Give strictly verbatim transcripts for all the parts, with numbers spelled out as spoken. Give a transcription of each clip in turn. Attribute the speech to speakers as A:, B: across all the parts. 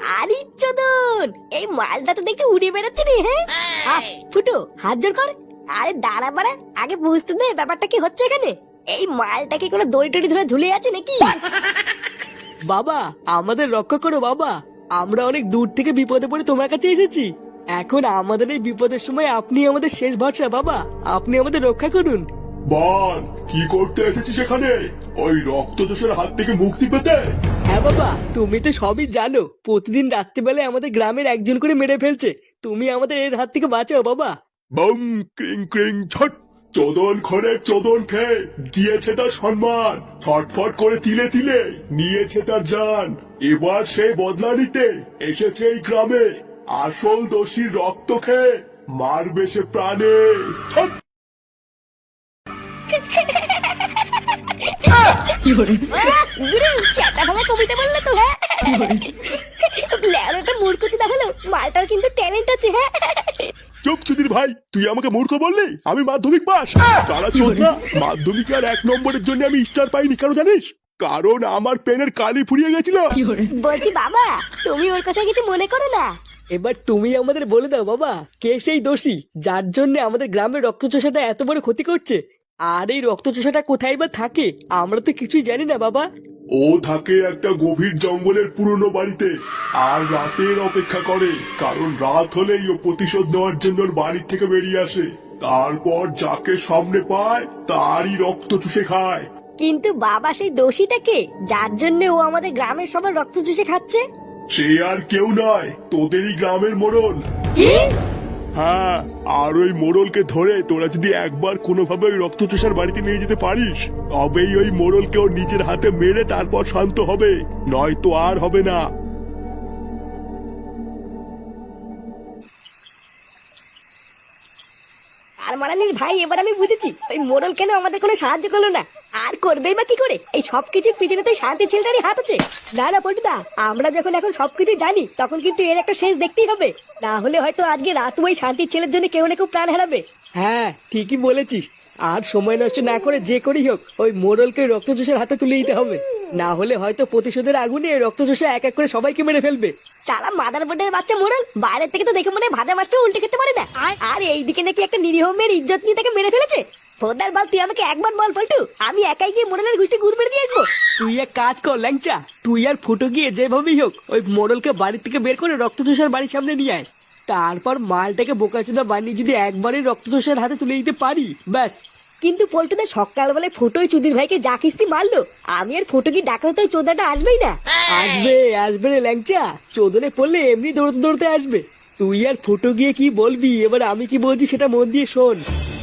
A: আরে চোদন, এই মালটা তো দেখছি উড়ে বেড়াচ্ছে রে। হ্যাঁ আহ, ফুটো হাত জোর কর। আরে দাঁড়া বাড়া, আগে বুঝতে দে ব্যাপারটা কি হচ্ছে এখানে। এই মালটাকে কোনো দড়ি টড়ি ধরে ঝুলে আছে নাকি?
B: বাবা আমাদের রক্ষা করো বাবা, আমরা অনেক দূর থেকে বিপদে পড়ে তোমার কাছে এসেছি। এখন আমাদের এই বিপদের সময় আপনি আমাদের শেষ ভরসা বাবা, আপনি আমাদের রক্ষা করুন।
C: বল, কি করতে এসেছিস এখানে? ওই রক্তচোষের হাত থেকে মুক্তি পেতে?
B: হ্যাঁ বাবা, তুমি তো সবই জানো, প্রতিদিন রাত্রিবেলায় আমাদের গ্রামের একজন করে মেরে ফেলছে। তুমি আমাদের এর হাত থেকে বাঁচাও বাবা।
C: বম ক্রিং ক্রিং ছট। চোদন খরে চোদন খেয়ে দিয়েছে তার সম্মান, ছটফট করে তিলে তিলে নিয়েছে তার জান। এবার সে বদলা নিতে এসেছে এই গ্রামে। আসল দোষীর রক্ত খেয়ে মারবে সে প্রাণে। ছট।
A: গুরু চাটা ভাঙা কবিতা বললে তো। হ্যাঁ ল্যাওড়াটা মূর্খচি দেখালো, মালটার কিন্তু ট্যালেন্ট আছে। হ্যাঁ
C: চুপ সুধীর ভাই, তুই আমাকে মূর্খ বললি? আমি মাধ্যমিক পাস। তারা চোদ্দা মাধ্যমিক আর এক নম্বরের জন্য আমি স্টার পাইনি, কেন জানিস? কারণ আমার পেনের কালি ফুরিয়ে গেছিল।
A: বলছি বাবা, তুমি ওর কথা কিছু মনে করো না।
B: এবার তুমি আমাদের বলে দাও বাবা, কে সেই দোষী যার জন্য আমাদের গ্রামের রক্তচোষাটা এত বড় ক্ষতি করছে? আর এই রক্তচোষাটা কোথায় বা থাকে আমরা তো কিছুই জানি না বাবা।
C: ও থাকে একটা গভীর জঙ্গলের পুরনো বাড়িতে, আর রাতের অপেক্ষা করে, কারণ রাত হলেই ও প্রতিশোধ নেওয়ার জন্য ওর বাড়ি থেকে বেরিয়ে আসে। তারপর যাকে সামনে পায় তারই রক্ত চুষে খায়।
A: কিন্তু বাবা, সেই দোষীটাকে যার জন্য ও আমাদের গ্রামের সবার রক্ত চুষে খাচ্ছে?
C: সে আর কেউ নয়, তোদেরই গ্রামের মোড়ল।
A: কি?
C: হ্যাঁ, আর ওই মোড়লকে ধরে তোরা যদি একবার কোনোভাবে ওই রক্তচোষার বাড়িতে নিয়ে যেতে পারিস, তবেই ওই মোড়লকে ওর নিজের হাতে মেরে তারপর শান্ত হবে, নয়তো আর হবে না।
A: আর মারানির ভাই, এবার আমি বুঝেছি ওই মোড়ল কেন আমাদের কোনো সাহায্য করলো না। আর করবেই বা কি করে? এই সব কিছুর পিছনে তো শান্তি ছেলেটারই হাত আছে। না না পল্টুদা, আমরা যখন এখন সবকিছু জানি তখন কিন্তু এর একটা শেষ দেখতেই হবে। না হলে হয়তো আজকে রাত ওই শান্তির ছেলের জন্য কেউ না কেউ প্রাণ হারাবে।
B: হ্যাঁ ঠিকই বলেছিস, আর সময় নষ্ট না করে যে করেই হোক ওই মোড়লকে রক্তচোষার হাতে তুলে দিতে হবে। না হলে হয়তো প্রতিশোধের আগুনে রক্তচোষা এক এক করে সবাইকে মেরে ফেলবে।
A: চালা মাদার বোর্ডের বাচ্চা মোড়ল, বাইরের থেকে তো দেখে মনে হয় ভাজা মাছটা উল্টে খেতে পারে না। আর এইদিকে নাকি একটা নিরীহ মেয়ের ইজ্জত নিয়ে তাকে মেরে ফেলেছে। ফোদার বল, তুই আমাকে একবার বল পল্টু, আমি একাই গিয়ে মোড়লের গুষ্টি গুড় মেরে দিয়ে আসবো।
B: তুই এক কাজ কর ল্যাংচা, তুই আর ফুটো গিয়ে যেভাবেই হোক ওই মোড়লকে বাড়ি থেকে বের করে রক্তচোষার বাড়ির সামনে নিয়ে আয়। তারপর মালটাকে বোকাচোদা বানিয়ে যদি একবারই রক্তচোষার হাতে তুলে দিতে পারি, ব্যাস।
A: কিন্তু পল্টুদা সকালবেলায় ফোটোই চুদির ভাইকে যা কিস্তি মারলো, আমি আর ফোটো কি ডাকলে তো ওই চোদাটা আসবেই না।
B: আসবে আসবে রে ল্যাংচা, চোদনে পড়লে এমনি দৌড়তে দৌড়তে আসবে। তুই আর ফুটো গিয়ে কি বলবি, এবার আমি কি বলছি সেটা মন দিয়ে শোন।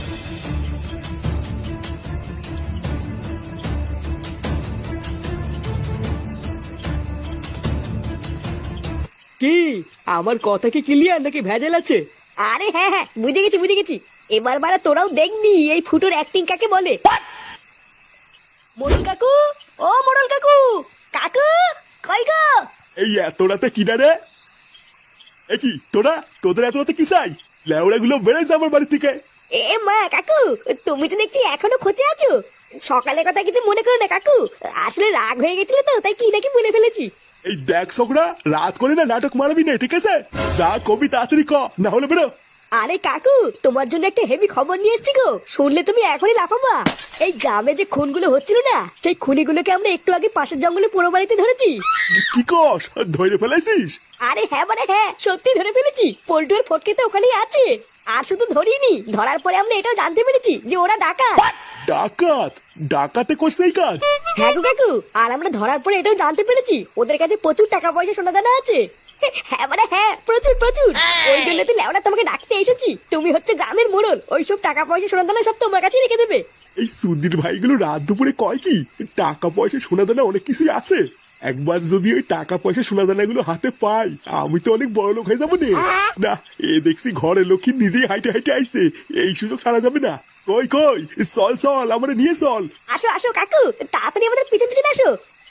B: কি আমার কথা কি ক্লিয়ার নাকি ভেজাল আছে?
A: আরে হ্যাঁ হ্যাঁ, বুঝে গেছি বুঝে গেছি। এবার বারা তোরাও দেখবি এই ফুটোর অ্যাক্টিং কাকে বলে। মোড়ল কাকু, ও মোড়ল কাকু, কাকু কই গো?
C: এই এত রাতে কিনা রে? এ কি তোরা, তোদের এত রাতে কি চাই? লেওড়া গুলো বেড়ে যা আমার বাড়ি থেকে।
A: এ মা কাকু, তুমি তো দেখছি এখনো খোঁজে আছো। সকালের কথা কিছু মনে করো না কাকু, আসলে রাগ হয়ে গেছিল তো, তাই কি নাকি বলে ফেলেছি।
C: এই দেখ ছোকরা, রাত করে না নাটক মারবি না, ঠিক আছে? যা কবি তাড়াতাড়ি ক, না হলে বেরো।
A: আরে কাকু, তোমার জন্য একটা হেভি খবর নিয়ে এসেছি গো, শুনলে তুমি এখনই লাফাবা। এই গ্রামে যে খুনগুলো হচ্ছিল না, সেই খুনিগুলোকে আমরা একটু আগে পাশের জঙ্গলে পুরো বাড়িতে ধরেছি।
C: কি কস, ধরে ফেলাইছিস?
A: আরে হ্যাঁ মানে হ্যাঁ, সত্যি ধরে ফেলেছি। পল্টু আর ফটকে তো ওখানেই আছে। আর শুধু ধরিনি, ধরার পরে আমরা এটাও জানতে পেরেছি যে ওরা ডাকাত।
C: ডাকাত? ডাকাতে করছে এই কাজ?
A: হ্যাঁ গো কাকু, আর আমরা ধরার পরে এটাও জানতে পেরেছি ওদের কাছে প্রচুর টাকা পয়সা সোনা দানা আছে। হ্যাঁ মানে হ্যাঁ, প্রচুর প্রচুর। ওই জন্য তো লেওড়া তোমাকে ডাকতে এসেছি। তুমি হচ্ছে গ্রামের মোড়ল, ওইসব টাকা পয়সা সোনা দানা সব তোমার কাছে রেখে দেবে।
C: এই সুধীর ভাইগুলো রাত দুপুরে কয় কি টাকা পয়সা সোনা দানা অনেক কিছুই আছে। একবার যদি ওই টাকা পয়সা সোনা দানা গুলো হাতে পাই, আমি তো অনেক বড় লোক হয়ে যাবো নে। না, এ দেখছি ঘরে লক্ষ্মী নিজেই হাইটে হাইটে আইছে, এই সুযোগ ছাড়া যাবে না। কই কই, চল চল, আমরা নিয়ে চল।
A: আসো আসো কাকু, তাড়াতাড়ি আমাদের পিছন পিছন আসো।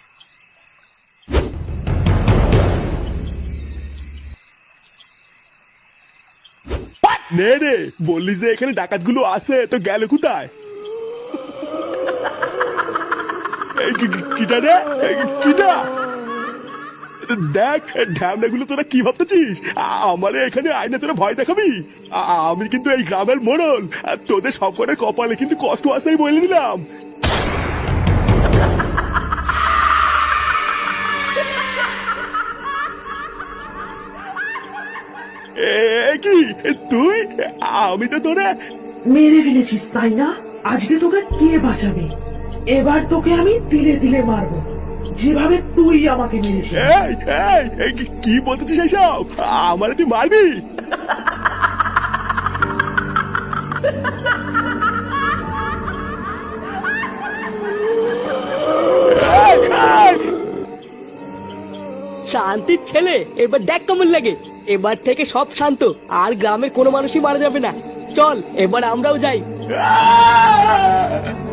C: নে রে, বললি যে এখানে ডাকাত গুলো আছে, তো গেল কোথায়? এই কি- কি- কিটা রে, এই কি- কিটা? দেখ ঢ্যামনাগুলো তোরা কি ভাবতেছিস? আমার এখানে আয়না তোরা ভয় দেখাবি? আ- আমি কিন্তু এই গ্রামের মোড়ল, আর তোদের সকলের কপালে কিন্তু কষ্ট আসতেই বলে দিলাম। এ কি তুই? আমি তো তোরা
D: মেরে ফেলেছিস তাই না? আজকে তোকে কে বাঁচাবে? এবার তোকে আমি তিলে তিলে মারবো, যেভাবে তুই আমাকে মেরেছিস।
C: এই এই এই, কি- কি বলতেছিস এসব? আমার তুই মারবি? এই, এই,
B: শান্তির ছেলে, এবার দেখ কেমন লাগে। এবার থেকে সব শান্ত, আর গ্রামের কোনো মানুষই মারা যাবে না। চল এবার আমরাও যাই।
C: আহ!